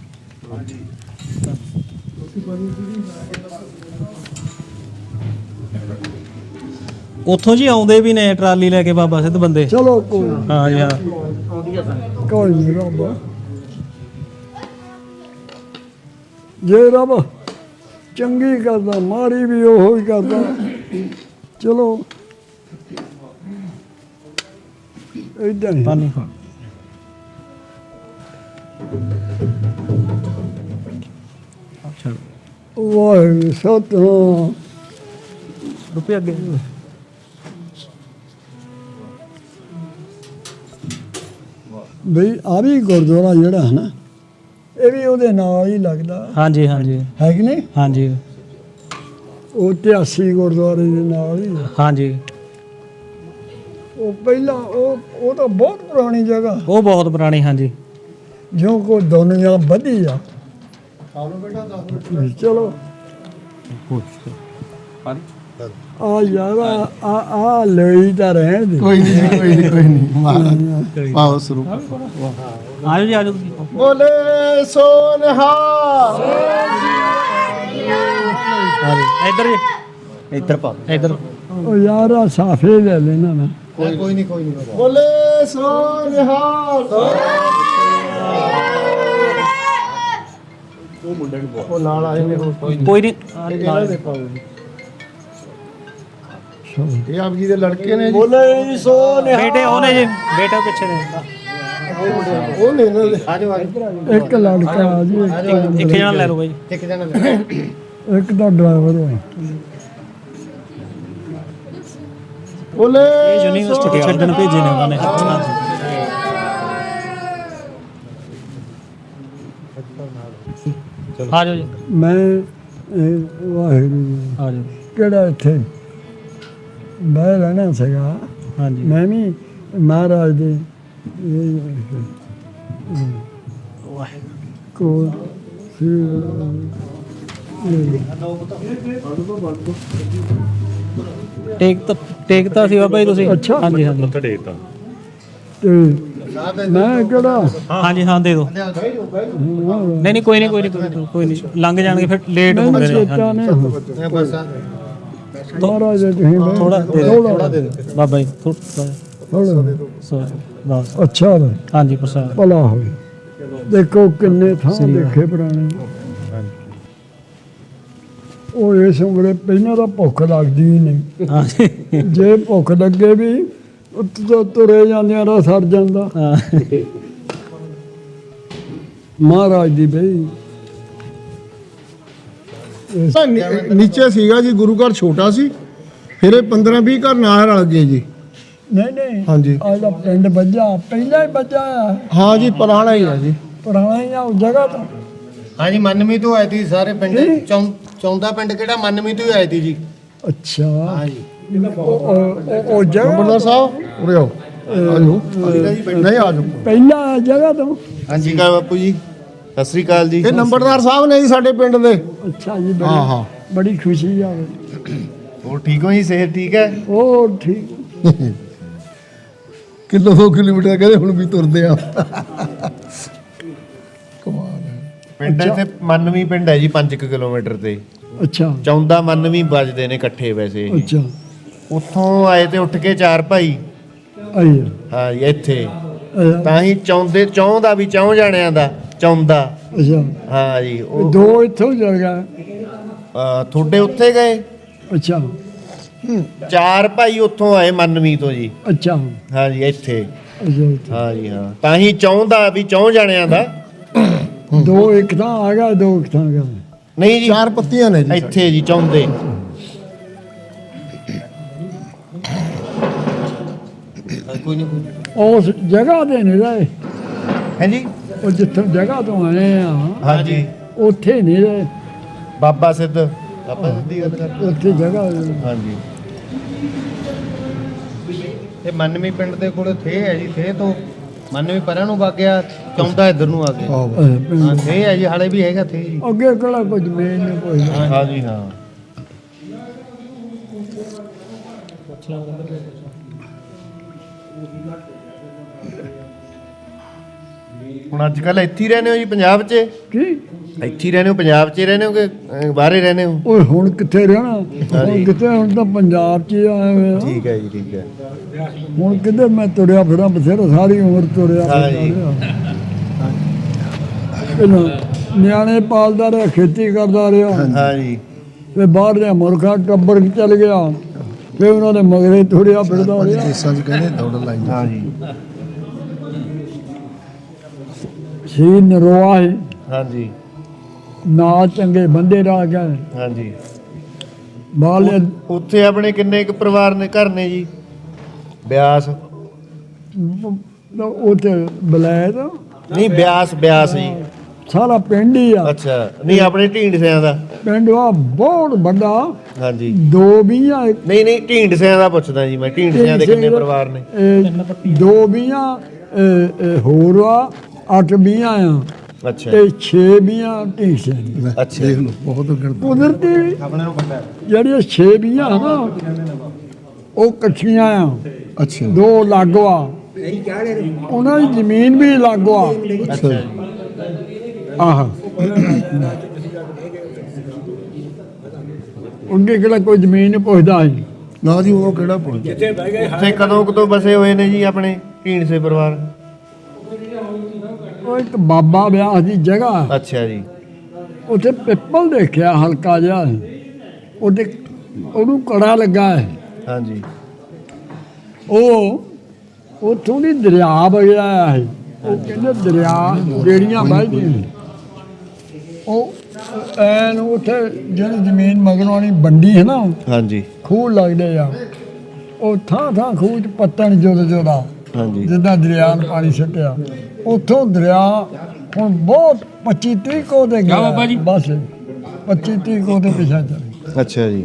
ਉੱਥੋਂ ਜੀ ਆਉਂਦੇ ਵੀ ਨੇ ਟਰਾਲੀ ਲੈ ਕੇ ਬਾਬਾ ਸਿੱਧ ਬੰਦੇ। ਚਲੋ ਕੋਈ ਹਾਂ ਜੀ, ਹਾਂ ਕੋਈ ਨਹੀਂ ਰੱਬ, ਜੇ ਰੱਬ ਚੰਗੀ ਕਰਦਾ ਮਾੜੀ ਵੀ ਉਹੋ ਹੀ ਕਰਦਾ। ਚਲੋ ਏਦਾਂ ਹੀ ਪਾਣੀ ਵਾਹਿਗੁਰੂ ਸਤਿਨਾਮ। ਰੁਪਏ ਅੱਗੇ ਬਈ ਆ ਵੀ ਗੁਰਦੁਆਰਾ ਜਿਹੜਾ ਹੈ ਨਾ, ਇਹ ਵੀ ਉਹਦੇ ਨਾਲ ਹੀ ਲੱਗਦਾ ਹਾਂਜੀ ਹਾਂਜੀ ਹੈ ਕਿ ਨਹੀਂ? ਹਾਂਜੀ ਉਹ 83 ਗੁਰਦੁਆਰੇ ਦੇ ਨਾਲ ਹੀ ਆ। ਹਾਂਜੀ, ਉਹ ਪਹਿਲਾਂ ਉਹ ਤਾਂ ਬਹੁਤ ਪੁਰਾਣੀ ਜਗ੍ਹਾ, ਉਹ ਬਹੁਤ ਪੁਰਾਣੀ। ਹਾਂਜੀ, ਜੋ ਕੋ ਦੁਨੀਆ ਵਧੀ ਆ। ਚਲੋ ਆ ਯਾਰ ਆ ਲਈ ਤਾਂ ਰਹਿਣ ਦੇ। ਕੋਈ ਨਹੀਂ ਮਹਾਰਾਜ ਪਾਵ ਸਰੂਪ। ਆਜੋ ਜੀ, ਆਜੋ ਤੁਸੀਂ। ਬੋਲੇ ਸੋਨਹਾ। ਇੱਧਰ ਜੀ, ਇੱਧਰ ਪਾ ਇੱਧਰ। ਉਹ ਯਾਰ ਆ ਸਾਫੇ ਲੈ ਲੈਣਾ ਮੈਂ। ਕੋਈ ਨਹੀਂ ਬੋਲੇ ਸੋਨਹਾ। ਉਹ ਨਾਲ ਆਏ ਨੇ, ਕੋਈ ਨਹੀਂ। ਇਹ ਆਪ ਜੀ ਦੇ ਲੜਕੇ ਨੇ ਜੀ। ਬੋਲੇ ਸੋਨਹਾ। ਬੇਟੇ ਉਹਨੇ ਜੀ, ਬੇਟੇ ਪਿੱਛੇ ਨੇ। ਉਹ ਨੇ ਇਹਨਾਂ ਦੇ। ਇੱਕ ਲੜਕਾ ਆ ਜੀ, ਇੱਕ ਜਣਾ ਲੈ ਲਓ ਬਾਈ। ਇੱਕ ਤਾਂ ਡਰਾਈਵਰ ਹੈ। ਬੋਲੇ ਇਹ ਯੂਨੀਵਰਸਿਟੀ ਛੱਡਣ ਭੇਜੇ ਨੇ ਉਹਨਾਂ ਨੇ। ਆਜੋ ਜੀ, ਮੈਂ ਵਾਹਿਗੁਰੂ ਆਜੋ। ਕਿਹੜਾ ਇੱਥੇ ਬਹਿ ਰਹਿਣਾ ਸੀਗਾ। ਹਾਂਜੀ, ਮੈਂ ਵੀ ਮਹਾਰਾਜ ਦੇ ਕੋਲ ਟੇਕਤਾ ਸੀ ਬਾਬਾ ਜੀ ਤੁਸੀਂ? ਅੱਛਾ। ਹਾਂਜੀ ਹਾਂਜੀ ਤੇ ਮੈਂ ਕਿਹੜਾ ਹਾਂਜੀ ਹਾਂ ਦੇ ਦਿਓ। ਨਹੀਂ ਨਹੀਂ ਕੋਈ ਨਹੀਂ ਲੰਘ ਜਾਣਗੇ ਫਿਰ ਲੇਟ ਮੈਨੂੰ ਹੁੰਦੇ ਨੇ। ਚੇਤਾ ਹਾਂਜੀ। ਨਹੀਂ ਮਹਾਰਾਜ ਦੇ ਤੁਸੀਂ ਥੋੜਾ ਦੇ ਦਿਓ ਬਾਬਾ ਜੀ ਥੋੜਾ ਬਸ। ਅੱਛਾ ਵਾ, ਹਾਂਜੀ ਪ੍ਰਸਾਦ। ਭਲਾ ਹੋਵੇ। ਦੇਖੋ ਕਿੰਨੇ ਥਾਂ ਦੇਖੇ ਪੁਰਾਣੇ। ਉਹ ਇਸ ਉਮਰੇ ਪਹਿਲਾਂ ਤਾਂ ਭੁੱਖ ਲੱਗਦੀ ਹੀ ਨਹੀਂ। ਹਾਂਜੀ ਜੇ ਭੁੱਖ ਲੱਗੇ ਵੀ ਉੱਤੋਂ ਤੁਰੇ ਜਾਂਦਿਆਂ ਦਾ ਸਰ ਜਾਂਦਾ। ਹਾਂ ਮਹਾਰਾਜ ਦੀ ਬਈ ਤਾਂ ਨੀਚੇ ਸੀਗਾ ਜੀ, ਗੁਰੂ ਘਰ ਛੋਟਾ ਸੀ, ਫਿਰ ਇਹ 15-20 ਘਰ ਨਾਲ ਰਲ ਗਏ ਜੀ। ਨਹੀਂ ਹਾਂਜੀ ਆਹ ਜਿਹੜਾ ਪਿੰਡ ਵੱਜਾ ਪਹਿਲਾਂ ਹੀ ਵੱਜਾ ਆ, ਹਾਂ ਜੀ, ਪੁਰਾਣਾ ਹੀ ਆ ਜੀ। ਪੁਰਾਣਾ ਹੀ ਆ ਉਸ ਜਗ੍ਹਾ ਤੋਂ। ਹਾਂਜੀ ਮੰਨਮੀ ਤੋਂ ਆਏ ਸੀ ਸਾਰੇ ਪਿੰਡ। ਚੌਂਦਾ ਪਿੰਡ ਕਿਹੜਾ ਮੰਨਮੀ ਤੋਂ ਹੀ ਆਏ ਸੀ ਜੀ। ਅੱਛਾ ਹਾਂਜੀ ਉਹ ਜਗ੍ਹਾ ਨੰਬਰਦਾਰ ਸਾਹਿਬ ਉਰੇ ਆਓ, ਆਜੋ ਨਹੀਂ ਆਜੋ। ਪਹਿਲਾਂ ਜਗ੍ਹਾ ਤੋਂ। ਹਾਂਜੀ ਕਾ ਬਾਪੂ ਜੀ, ਸਤਿ ਸ੍ਰੀ ਅਕਾਲ ਜੀ। ਇਹ ਨੰਬਰਦਾਰ ਸਾਹਿਬ ਨੇ ਜੀ ਸਾਡੇ ਪਿੰਡ ਦੇ। ਅੱਛਾ ਜੀ, ਹਾਂ ਹਾਂ ਬੜੀ ਖੁਸ਼ੀ ਆ। ਹੋਰ ਠੀਕ ਹੋ ਜੀ, ਸਿਹਤ ਠੀਕ ਹੈ? ਉਹ ਠੀਕ। ਕਿਲੋ 2 ਕਿਲੋਮੀਟਰ ਕਹਿੰਦੇ ਹੁਣ ਵੀ ਤੁਰਦੇ ਆ। ਕਮਾਲ ਹੈ। ਪਿੰਡ ਇੱਥੇ ਮੰਨਮੀ ਪਿੰਡ ਹੈ ਜੀ 5 ਕਿਲੋਮੀਟਰ ਤੇ। ਅੱਛਾ ਚੌਂਦਾ ਮੰਨਮੀ ਵੱਜਦੇ ਨੇ ਇਕੱਠੇ ਵੈਸੇ ਇਹ। ਅੱਛਾ ਉੱਥੋਂ ਆਏ ਤੇ ਉੱਠ ਕੇ 4 ਭਾਈ। ਆਈ ਹਾਂ ਜੀ ਇੱਥੇ ਤਾਂ ਹੀ ਚੌਂ ਦਾ ਵੀ ਚੌਂ ਜਾਣਿਆਂ ਦਾ ਚੌਂਦਾ। ਅੱਛਾ ਹਾਂ ਜੀ ਉਹ ਦੋ ਇੱਥੋਂ ਚਲ ਗਿਆ। ਤੁਹਾਡੇ ਉੱਥੇ ਗਏ। ਅੱਛਾ 4 ਭਾਈ ਉੱਥੋਂ ਆਏ ਮੰਨਮੀ ਤੋਂ ਜੀ। ਅੱਛਾ ਹਾਂ ਜੀ ਇੱਥੇ। ਅੱਛਾ ਹਾਂ ਜੀ ਹਾਂ, ਤਾਂ ਹੀ ਚੌਂ ਦਾ ਵੀ ਚੌਂ ਜਾਣਿਆਂ ਦਾ। ਦੋ ਇੱਕ ਥਾਂ ਆ ਗਿਆ, ਦੋ ਇੱਕ ਥਾਂ ਗਿਆ। ਨਹੀਂ ਜੀ 4 ਪੱਤੀਆਂ ਨੇ ਜੀ। ਇੱਥੇ ਜੀ ਚੌਂਦੇ। ਉਸ ਜਗ੍ਹਾ ਦੇ ਨਹੀਂ ਰਹੇ। ਹੈ ਜੀ। ਉਹ ਜਿੱਥੋਂ ਜਗ੍ਹਾ ਤੋਂ ਆਏ ਆ ਹਾਂ ਜੀ ਉੱਥੇ ਨਹੀਂ ਰਹੇ। ਬਾਬਾ ਸਿੱਧ ਦੀ ਗੱਲ ਕਰ। ਉੱਥੇ ਜਗ੍ਹਾ ਹਾਂ ਜੀ ਇਹ ਮੰਨਮੀ ਪਿੰਡ ਦੇ ਕੋਲ ਥੇ ਹੈ ਜੀ। ਥੇ ਤੋਂ ਮੰਨਮੀ ਪਰਾਂ ਨੂੰ ਵਗ ਗਿਆ, ਚੌਂਦਾ ਇੱਧਰ ਨੂੰ ਆ ਗਿਆ। ਹਾਂ ਥੇ ਹੈ ਜੀ, ਹਾਲੇ ਵੀ ਹੈਗਾ ਥੇ ਜੀ। ਅੱਗੇ ਕਿਹੜਾ ਕੁਝ ਮੇਨ ਨਹੀਂ ਕੋਈ। ਹਾਂ ਜੀ ਹਾਂ। ਹੁਣ ਅੱਜ ਕੱਲ ਇੱਥੇ ਹੀ ਰਹਿੰਦੇ ਹੋ ਜੀ ਪੰਜਾਬ 'ਚ? ਕੀ ਇੱਥੇ ਹੀ ਰਹਿੰਦੇ ਹੋ ਪੰਜਾਬ 'ਚ ਹੀ ਰਹਿੰਦੇ ਹੋ ਕਿ ਬਾਹਰੇ ਰਹਿੰਦੇ ਹੋ? ਓਏ ਹੁਣ ਕਿੱਥੇ ਰਹਿਣਾ? ਹੁਣ ਕਿੱਥੇ, ਹੁਣ ਤਾਂ ਪੰਜਾਬ 'ਚ ਹੀ ਆਏ ਹੋਏ ਆ। ਠੀਕ ਹੈ ਜੀ, ਠੀਕ ਹੈ। ਹੁਣ ਕਿੱਧਰ ਮੈਂ ਤੁਰਿਆ ਫਿਰਾਂ ਬਥੇਰਾ, ਸਾਰੀ ਉਮਰ ਤੁਰਿਆ ਹਾਂ ਫਿਰਦਾ ਜੀ। ਰਿਹਾ। ਪਹਿਲਾਂ ਨਿਆਣੇ ਪਾਲਦਾ ਰਿਹਾ, ਖੇਤੀ ਕਰਦਾ ਰਿਹਾ, ਹਾਂ ਜੀ ਫਿਰ ਬਾਹਰ ਦੇ ਮੁਲਕਾਂ ਟੱਬਰ ਚੱਲ ਗਿਆ, ਫਿਰ ਉਹਨਾਂ ਦੇ ਮਗਰੇ ਤੁਰਿਆ ਫਿਰਦਾ ਰਿਹਾ। ਦੇਸਾਂ 'ਚ ਕਹਿੰਦੇ ਦੌੜ ਲਾਈ। ਹਾਂ ਜੀ ਸੀ ਨਰੋਆ ਹੈ, ਹਾਂ ਜੀ ਨਾ ਚੰਗੇ ਬੰਦੇ ਰਾਹ ਗਏ ਹਾਂ ਜੀ। ਬਾਲੇ। ਉੱਥੇ ਆਪਣੇ ਕਿੰਨੇ ਕੁ ਪਰਿਵਾਰ ਨੇ, ਘਰ ਨੇ ਜੀ? ਬਿਆਸ ਉੱਥੇ ਬਲੈਦ ਨਹੀਂ, ਬਿਆਸ ਜੀ। ਸਾਰਾ ਪਿੰਡ ਹੀ ਆ। ਅੱਛਾ, ਨਹੀਂ ਆਪਣੇ ਢੀਂਡਸਿਆਂ ਦਾ। ਪਿੰਡ ਆ ਬਹੁਤ ਵੱਡਾ। ਹਾਂ ਜੀ ਦੋ ਵੀਆਂ ਨਹੀਂ ਢੀਂਡਸਿਆਂ ਦਾ ਪੁੱਛਦਾ ਜੀ ਮੈਂ। ਢੀਂਡਸਿਆਂ ਦੇ ਕਿੰਨੇ ਪਰਿਵਾਰ ਨੇ? ਦੋ ਵੀਆਂ ਹੋਰ ਆ, 8 ਵੀਆਂ ਆ ਅੱਛਾ ਤੇ 6 ਵੀਆਂ ਢੀਂਡਸੇ। ਅੱਛਾ ਦੇਖ ਲਓ ਬਹੁਤ ਗਣਤੀ। ਕੁਦਰਤੀ ਜਿਹੜੀਆਂ 6 ਵੀਆਂ ਨਾ ਉਹ ਇਕੱਠੀਆਂ ਆ। ਅੱਛਾ ਦੋ ਲਾਗਵਾ, ਉਹਨਾਂ ਦੀ ਜ਼ਮੀਨ ਵੀ ਲਾਗਵਾ। ਅੱਛਾ ਆਹ ਉਹਨੇ ਕਿਹੜਾ ਕੋਈ ਜ਼ਮੀਨ ਨਹੀਂ ਪੁੱਛਦਾ ਸੀ। ਨਾ ਜੀ, ਉਹ ਕਿਹੜਾ ਪੁੱਛ। ਉੱਥੇ ਕਦੋਂ ਬਸੇ ਹੋਏ ਨੇ ਜੀ ਆਪਣੇ ਢੀਂਡਸੇ ਪਰਿਵਾਰ? ਉਹ ਇੱਕ ਬਾਬਾ ਵਿਆਹ ਦੀ ਜਗ੍ਹਾ, ਅੱਛਾ ਜੀ ਉੱਥੇ ਪਿੱਪਲ ਦੇਖਿਆ ਹਲਕਾ ਜਿਹਾ, ਉਹਦੇ ਉਹਨੂੰ ਕੜਾ ਲੱਗਾ ਹੈ। ਹਾਂ ਜੀ ਉਹ ਥੋੜੀ ਦਰਿਆ ਵਗਿਆ ਹੈ। ਉਹ ਕਹਿੰਦੇ ਦਰਿਆ ਜਿਹੜੀਆਂ ਵਹਿਦੀਆਂ ਨੇ ਉਹ ਐਨ ਉੱਥੇ ਜਿਹੜੀ ਜ਼ਮੀਨ ਮਗਰੋਂ ਵਾਲੀ ਬੰਡੀ ਹੈ ਨਾ, ਹਾਂ ਜੀ ਖੂਹ ਲੱਗਦੇ ਆ। ਉਹ ਥਾਂ ਖੂਹ 'ਚ ਪੱਤਣ ਜੁਦਾ ਹਾਂ ਜੀ ਜਿੱਦਾਂ ਦਰਿਆ ਨੂੰ ਪਾਣੀ ਛੱਟਿਆ, ਉੱਥੋਂ ਦਰਿਆ ਹੁਣ ਬਹੁਤ 25-30 ਕੋ ਦੇ ਗਿਆ ਬਸ। 25-30 ਕੋ ਦੇ ਪਿਛਾ ਚੱਲ। ਅੱਛਾ ਜੀ।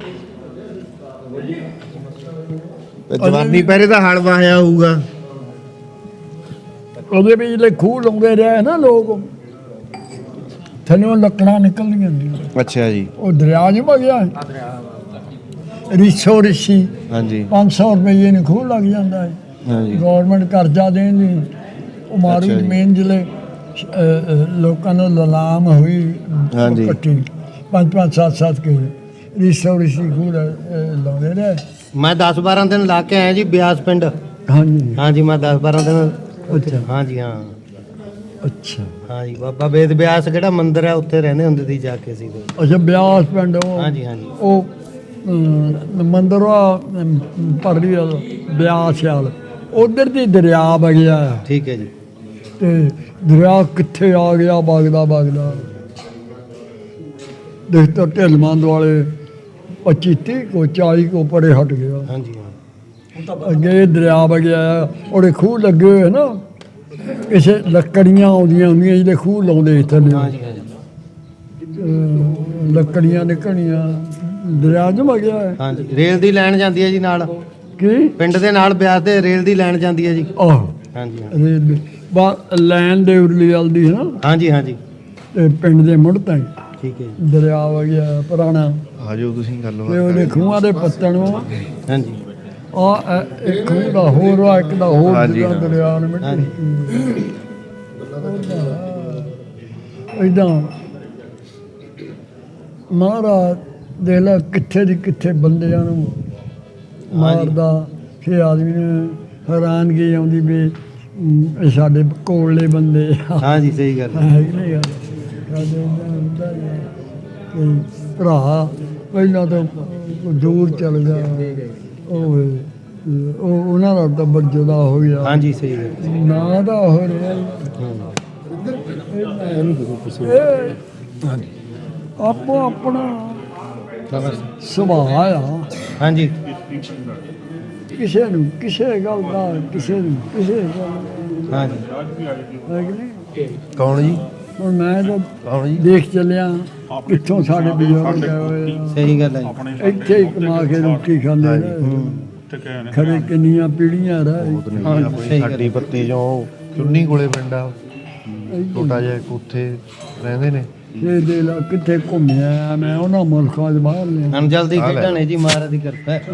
ਜਵਾਨੀ ਪਹਿਰੇ ਦਾ ਹਲ ਵਾਹਿਆ ਹੋਊਗਾ। ਉਹਦੇ ਵਿੱਚ ਖੂਹ ਲਾਉਂਦੇ ਰਹੇ ਨਾ ਲੋਕ, ਥੱਲੋਂ ਲੱਕੜਾਂ ਨਿਕਲਦੀਆਂ ਹੁੰਦੀਆਂ। ਅੱਛਾ ਜੀ। ਉਹ ਦਰਿਆ ਨਹੀਂ ਵਗਿਆ ਰਿਸ਼ੋ ਰਿਸ਼ੀ ਹਾਂਜੀ 500 ਰੁਪਏ ਨੂੰ ਖੂਹ ਲੱਗ ਜਾਂਦਾ ਹੈ। ਹਾਂਜੀ ਗੌਰਮੈਂਟ ਕਰਜ਼ਾ ਦੇਣ ਦੀ ਉਹ ਮਾਰੂ ਅੱਛਾ ਜੀ। ਜ਼ਮੀਨ ਜਿਹੜੇ ਲੋਕਾਂ ਨੂੰ ਲਲਾਮ ਹੋਈ ਹਾਂਜੀ। ਕੱਟੀ 5-5 7-7 ਕੇ ਰਿਸ਼ੋ ਰਿਸ਼ੀ ਖੂਹ ਲਾਉਂਦੇ ਰਹੇ। ਮੈਂ 10-12 ਦਿਨ ਲਾ ਕੇ ਆਇਆ ਜੀ ਬਿਆਸ ਪਿੰਡ। ਹਾਂਜੀ ਹਾਂਜੀ ਮੈਂ 10-12 ਦਿਨ। ਅੱਛਾ ਹਾਂਜੀ ਹਾਂ ਅੱਛਾ ਹਾਂਜੀ ਬਾਬਾ ਵੇਦ ਬਿਆਸ ਕਿਹੜਾ ਮੰਦਿਰ ਹੈ ਉੱਥੇ ਰਹਿੰਦੇ ਹੁੰਦੇ ਸੀ ਜਾ ਕੇ ਅਸੀਂ। ਅੱਛਾ ਬਿਆਸ ਪਿੰਡ ਉਹ ਹਾਂਜੀ ਹਾਂਜੀ ਉਹ ਮੰਦਰ ਆ ਪਰਲੀ ਵਾਲ ਬਿਆਸ ਵਾਲ ਉਧਰ ਦੀ ਦਰਿਆ ਵਗਿਆ ਆ ਠੀਕ ਹੈ ਜੀ। ਤੇ ਦਰਿਆ ਕਿੱਥੇ ਆ ਗਿਆ ਵਗਦਾ ਦੇਖ ਤਾਂ ਢਿਲਮੰਦ ਵਾਲੇ 25-30 ਕੋ 40 ਕੋ ਪਰੇ ਹਟ ਗਿਆ। ਹਾਂਜੀ ਹਾਂ ਅੱਗੇ ਦਰਿਆ ਵਗਿਆ ਆ ਉਹਦੇ ਖੂਹ ਲੱਗੇ ਹੋਏ ਨਾ ਕਿਸੇ ਲੱਕੜੀਆਂ ਆਉਂਦੀਆਂ ਹੁੰਦੀਆਂ ਜਿਹਦੇ ਖੂਹ ਲਾਉਂਦੇ ਥੱਲੇ ਹਾਂਜੀ ਹਾਂਜੀ ਲੱਕੜੀਆਂ ਨਿਕਲੀਆਂ ਦਰਿਆ ਚ ਵਗਿਆ ਹੈ ਹਾਂਜੀ ਰੇਲ ਦੀ ਲਾਈਨ ਜਾਂਦੀ ਹੈ ਜੀ ਨਾਲ ਕੀ ਪਿੰਡ ਦੇ ਨਾਲ ਬਿਆਸ ਦੇ ਰੇਲ ਦੀ ਲਾਈਨ ਜਾਂਦੀ ਹੈ ਜੀ। ਆਹ ਹਾਂਜੀ ਹਾਂ ਰੇਲ ਲੈਣ ਦੇ ਉਰਲੀ ਵਾਲ ਦੀ ਹੈ ਨਾ ਹਾਂਜੀ ਹਾਂਜੀ ਤੇ ਪਿੰਡ ਦੇ ਮੁੜ ਤਾਈਂ ਠੀਕ ਹੈ ਜੀ। ਦਰਿਆ ਵਗਿਆ ਪੁਰਾਣਾ ਆਜੋ ਤੁਸੀਂ ਤੇ ਉਹਦੇ ਖੂਹਾਂ ਦੇ ਪੱਤਣ ਹਾਂਜੀ ਆ ਇੱਕ ਖੂਹ ਦਾ ਹੋਰ ਆ ਇੱਕ ਦਾ ਹੋਰ ਹਾਂਜੀ, ਜਿਹੜਾ ਹਾਂ। ਦਰਿਆ ਨੇ ਮਿੱਟੀ ਇਦਾਂ ਮਹਾਰਾਜ ਦੇਖ ਲੈ ਕਿੱਥੇ ਦੀ ਕਿੱਥੇ ਬੰਦਿਆਂ ਨੂੰ ਮਾਰਦਾ ਫੇ ਆਦਮੀ ਨੂੰ ਹੈਰਾਨਗੀ ਆਉਂਦੀ ਵੀ ਇਹ ਸਾਡੇ ਕੋਲੇ ਬੰਦੇ ਆ ਹਾਂਜੀ ਸਹੀ ਗੱਲ ਹੈ। ਹੈ ਕਿ ਨਹੀਂ ਗੱਲ ਸਾਡੇ ਏਦਾਂ ਹੁੰਦਾ ਹੀ ਆ ਕਿ ਭਰਾ ਪਹਿਲਾਂ ਤਾਂ ਦੂਰ ਚਲ ਗਿਆ ਉਹ ਉਹਨਾਂ ਦਾ ਟੱਬਰ ਜੁਦਾ ਹੋ ਗਿਆ ਹਾਂਜੀ ਸਹੀ ਗੱਲ ਹੈ। ਨਾ ਦਾ ਹੋ ਰਿਹਾ ਆਪੋ ਆਪਣਾ ਸੁਭਾਅ ਆ ਹਾਂਜੀ ਕਿਸੇ ਨੂੰ ਕਿਸੇ ਗੱਲ ਦਾ ਕਿਸੇ ਨੂੰ ਕਿਸੇ ਗੱਲ ਦਾ ਹਾਂਜੀ ਹੈ ਕਿ ਨਹੀਂ ਕੌਣ ਜੀ? ਹੁਣ ਮੈਂ ਤਾਂ ਕੌਣ ਜੀ? ਦੇਖ ਚੱਲਿਆ ਕਿੱਥੋਂ ਸਾਡੇ ਬਜ਼ੁਰਗ ਗਏ ਹੋਏ ਆ ਸਹੀ ਗੱਲ ਹੈ ਜੀ। ਇੱਥੇ ਹੀ ਕਮਾ ਕੇ ਰੋਟੀ ਖਾਂਦੇ ਰਹੇ ਖਰੇ ਕਿੰਨੀਆਂ ਪੀੜ੍ਹੀਆਂ ਰਹੇ ਸਹੀ ਗੱਲ ਸਾਡੀ ਪੱਤੀ ਜੋ ਚੁੰਨੀ ਕੋਲੇ ਪਿੰਡ ਆ ਛੋਟਾ ਜਿਹਾ ਇੱਕ ਉੱਥੇ ਰਹਿੰਦੇ ਨੇ। ਇਹ ਦੇ ਲਾ ਕਿੱਥੇ ਘੁੰਮਿਆ ਮੈਂ ਉਹਨਾਂ ਮੁਲਕਾਂ ਦੇ ਬਾਹਰ ਨੇ ਹੁਣ ਜਲਦੀ ਖੇਡਾਂ ਨੇ ਜੀ ਮਹਾਰਾਜ ਦੀ ਕਿਰਪਾ ਹੈ।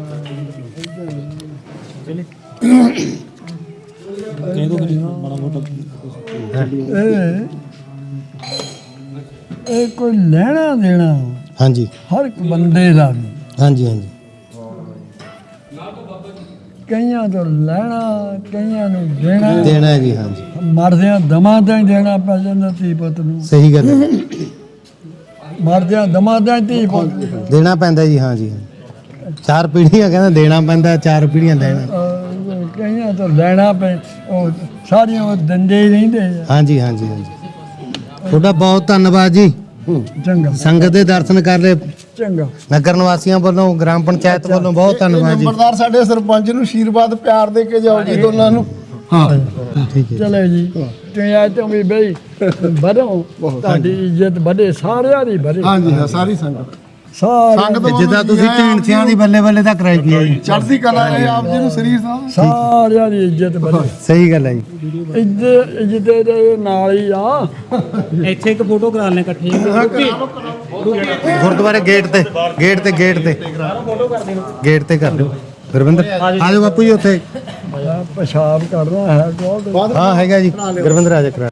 ਇਹ ਕੋਈ ਲੈਣਾ ਦੇਣਾ ਹਾਂਜੀ ਹਰ ਇੱਕ ਬੰਦੇ ਦਾ ਵੀ ਹਾਂਜੀ ਹਾਂਜੀ ਕਈਆਂ ਤੋਂ ਲੈਣਾ ਕਈਆਂ ਨੂੰ ਦੇਣਾ ਦੇਣਾ ਹੈ ਜੀ। ਹਾਂਜੀ ਮਰਦਿਆਂ ਦਮਾਂ ਤਾਂ ਹੀ ਦੇਣਾ ਪੈ ਜਾਂਦਾ ਧੀ ਪੁੱਤ ਨੂੰ ਸਹੀ ਗੱਲ ਹੈ। ਮਰਦਿਆਂ ਦਮਾਂ ਤਾਂ ਹੀ ਧੀ ਪੁੱਤ ਨੂੰ। ਦੇਣਾ ਪੈਂਦਾ ਜੀ। ਹਾਂਜੀ ਚਾਰ ਪੀੜ੍ਹੀਆਂ ਕਹਿੰਦਾ ਦੇਣਾ ਪੈਂਦਾ ਚਾਰ ਪੀੜ੍ਹੀਆਂ ਦੇਣਾ। ਕਈਆਂ ਤੋਂ ਲੈਣਾ ਪੈ ਉਹ ਸਾਰੀਆਂ ਉਹ ਦਿੰਦੇ ਹੀ ਰਹਿੰਦੇ ਆ। ਹਾਂਜੀ ਹਾਂਜੀ ਹਾਂਜੀ ਤੁਹਾਡਾ ਬਹੁਤ ਧੰਨਵਾਦ ਜੀ। ਚੰਗਾ ਸੰਗਤ ਦੇ ਦਰਸ਼ਨ ਕਰ ਲਏ। ਚੰਗਾ ਨਗਰ ਨਿਵਾਸੀਆਂ ਵੱਲੋਂ ਗ੍ਰਾਮ ਪੰਚਾਇਤ ਵੱਲੋਂ ਬਹੁਤ ਧੰਨਵਾਦ ਜੀ। ਨੰਬਰਦਾਰ ਸਾਡੇ ਸਰਪੰਚ ਨੂੰ ਆਸ਼ੀਰਵਾਦ ਪਿਆਰ ਦੇ ਕੇ ਜਾਓ ਜੀ ਦੋਨਾਂ ਨੂੰ। ਹਾਂ ਠੀਕ ਹੈ ਚਲੇ ਜੀ ਤੁਸੀਂ ਆਏ ਤੋਂ ਵੀ ਬਈ ਵਧੋ ਤੁਹਾਡੀ ਇੱਜ਼ਤ ਵਧੇ ਸਾਰਿਆਂ ਦੀ ਵਧੇ ਹਾਂਜੀ ਹਾਂ ਸਾਰੀ ਸੰਗਤ ਸਾਰੇ ਜਿੱਦਾਂ ਤੁਸੀਂ ਢੀਂਡਸਿਆਂ ਦੀ ਬੱਲੇ ਬੱਲੇ ਤੱਕ ਰਹਿ ਗਈ ਜੀ। ਚੜ੍ਹਦੀ ਕਲਾ ਹੈ ਆਪ ਜੀ ਨੂੰ ਸਰੀਰ ਸਾਹਿਬ। ਸਾਰਿਆਂ ਦੀ ਇੱਜ਼ਤ ਵਧੇ ਸਹੀ ਗੱਲ ਹੈ ਜੀ। ਇੱਜ਼ਤ ਦੇ ਨਾਲ ਹੀ ਆ ਇੱਥੇ ਇੱਕ ਫੋਟੋ ਕਰਾ ਲੈਣੇ ਇਕੱਠੇ ਗੁਰਦੁਆਰੇ ਗੇਟ ਤੇ ਕਰ ਦਿਓ ਗੁਰਵਿੰਦਰ ਆ ਜਾਓ ਬਾਪੂ ਜੀ ਉੱਥੇ। ਪਿਸ਼ਾਬ ਕਰਨਾ ਹੈ ਬਹੁਤ ਹਾਂ ਹੈਗਾ ਜੀ ਗੁਰਵਿੰਦਰ ਆ ਜਾ ਕਰਾ।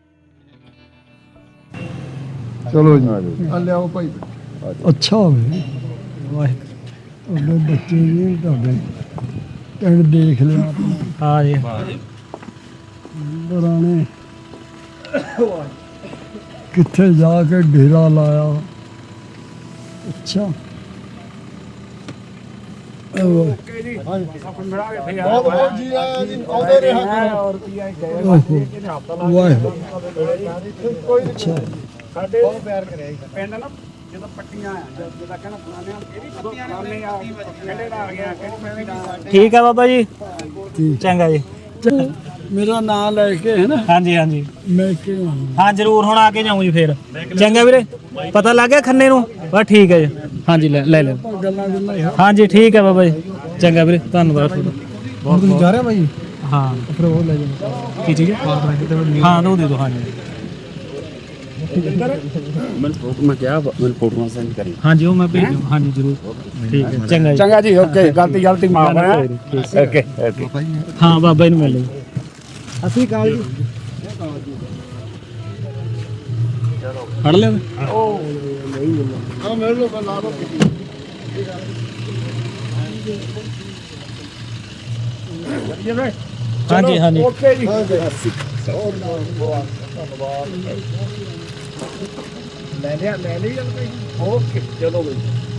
ਚਲੋ ਜੀ ਆ ਲਿਆਓ ਭਾਈ। ਅੱਛਾ ਹੋਵੇ ਵਾਹਿਗੁਰੂ ਬੱਚੇ ਜੀ ਤੁਹਾਡੇ ਪਿੰਡ ਦੇਖ ਲਿਆ ਆਪਾਂ ਹਾਂ ਜੀ ਪੁਰਾਣੇ ਕਿੱਥੇ ਜਾ ਕੇ ਡੇਰਾ ਲਾਇਆ ਅੱਛਾ ਬਹੁਤ ਬਹੁਤ ਜੀ ਆਇਆ ਜੀ ਆਉਂਦੇ ਰਹੇ ਵਾਹਿਗੁਰੂ ਅੱਛਾ ਪਿੰਡ ਨਾ ਜਦੋਂ ਪੱਟੀਆਂ ਆ ਜਦੋਂ ਕਹਿੰਦਾ ਫਲਾਣੇ ਇਹ ਵੀ ਪੱਟੀਆਂ ਨੇ ਆ ਕਿਹੜੇ ਦਾ ਆ ਗਿਆ ਕਿਹੜੀ ਦਾ ਠੀਕ ਹੈ ਬਾਬਾ ਜੀ ਚੰਗਾ ਜੀ। ਮੇਰਾ ਨਾਮ ਲੈ ਕੇ ਹੈ ਨਾ ਹਾਂਜੀ ਹਾਂਜੀ ਮੈਂ ਕਿ ਹਾਂ ਜ਼ਰੂਰ ਹੁਣ ਆ ਕੇ ਜਾਊਂ ਜੀ ਫੇਰ। ਚੰਗਾ ਵੀਰੇ ਪਤਾ ਲੱਗ ਗਿਆ ਖੰਨੇ ਨੂੰ ਬਸ ਠੀਕ ਹੈ ਜੀ। ਹਾਂਜੀ ਲੈ ਲੈ ਗੱਲਾਂ ਗੱਲਾਂ ਹਾਂਜੀ ਠੀਕ ਹੈ ਬਾਬਾ ਜੀ ਚੰਗਾ ਵੀਰੇ ਧੰਨਵਾਦ ਤੁਹਾਡਾ। ਤੁਸੀਂ ਜਾ ਰਹੇ ਭਾਈ? ਹਾਂ ਫਿਰ ਉਹ ਲੈ ਜਾਣਾ ਕੀ ਚੀਜ਼ ਹੈ? ਹਾਂ ਦੋ ਦੇ ਦਿਓ ਹਾਂਜੀ ਮੈਂ ਕਿਹਾ ਮੈਨੂੰ ਫੋਟੋਆਂ ਸੈਂਡ ਕਰੀ ਹਾਂਜੀ ਉਹ ਮੈਂ ਭੇਜੂ ਹਾਂਜੀ ਜ਼ਰੂਰ ਠੀਕ ਹੈ ਚੰਗਾ ਜੀ ਚੰਗਾ ਜੀ ਓਕੇ ਗਲਤੀ ਮਾਫ ਹੈ ਓਕੇ ਹਾਂ ਬਾਬਾ ਜੀ ਨੂੰ ਮਿਲ ਲਈ ਅਸੀਂ ਕਾਲ ਜੀ ਫੜ ਲਿਆ ਹਾਂ ਮਿਲ ਲਓ ਲਾ ਲਓ ਹਾਂਜੀ ਹਾਂਜੀ ਓਕੇ ਜੀ ਲੈ ਲਿਆ ਓਕੇ ਚਲੋ ਬਈ